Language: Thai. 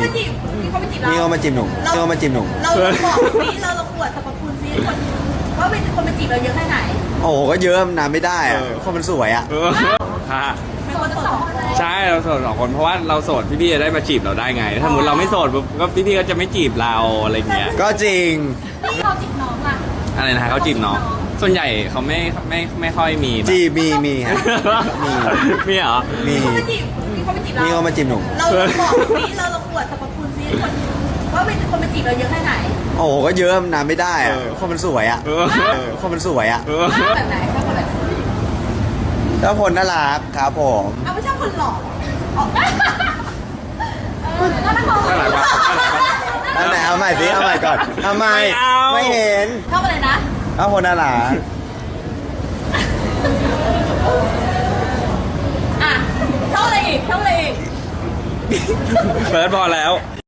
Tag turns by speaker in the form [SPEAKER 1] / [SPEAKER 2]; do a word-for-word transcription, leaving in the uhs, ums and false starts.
[SPEAKER 1] จีบมีคนมาจีบเรา
[SPEAKER 2] มีคนมาจีบหนุ่มมีคนมาจีบหนุ่ม
[SPEAKER 1] เราบอกซิเราเราอวดสรรพคุณซิคนว่าเป็นคนมาจีบเราเยอะแค่ไหน
[SPEAKER 2] โอ้โหก็เยอะนานไม่ได้อะคนมันสวยอ่ะ
[SPEAKER 3] เออฮะ
[SPEAKER 1] เป็นคนสองคนเลย
[SPEAKER 3] ใช่เราโสดสองคนเพราะว่าเราโสดพี่ๆจะได้มาจีบเราได้ไง ถ้าสมมติเราไม่โสดปุ๊บก็พี่ๆก็จะไม่จีบเราอะไรเงี้ย
[SPEAKER 2] ก็จริง
[SPEAKER 1] นี่เราจีบน้องล่ะ
[SPEAKER 3] อะไรนะฮะเขาจีบน้องส่วนใหญ่เขาไม่ไม่ไม่ค่อยมีแบบ
[SPEAKER 2] จีบมีมีฮะมี
[SPEAKER 3] มีเหรอ
[SPEAKER 2] มี
[SPEAKER 1] มีคนมาจีบมีคนมาจีบเรา
[SPEAKER 2] มีคนมาจีบหนุ่ม
[SPEAKER 1] เราบอกซิเราเราอวดสรรพคุณซิคนว่าเป็นคนมาจีบเราเยอะแค่ไหน
[SPEAKER 2] โอ้โหก็เยอะนานไม่ได้อะคนมันสวยอ่ะ
[SPEAKER 3] เออ
[SPEAKER 2] คนมันสวยอ่ะ
[SPEAKER 3] เออ
[SPEAKER 1] แบบไหนถ้าคนแบบ
[SPEAKER 2] ถ้าคนน่ารักครับผม
[SPEAKER 1] เอาไม่ใช่คนหล่ออ๋อเออแล้วถ้าเขา
[SPEAKER 3] น่ารักปะน่ารักปะ
[SPEAKER 2] อันไหนเอาใหม่สิเอาใหม่ก่อนทำไม
[SPEAKER 3] ไม่เอา
[SPEAKER 2] ไม่เห็น
[SPEAKER 1] ชอบอะไรนะ
[SPEAKER 2] ถ้าคนน่ารัก
[SPEAKER 1] อ่ะชอบอะไรอีกชอบอะไรอีก
[SPEAKER 3] เฟิร์สพอแล้ว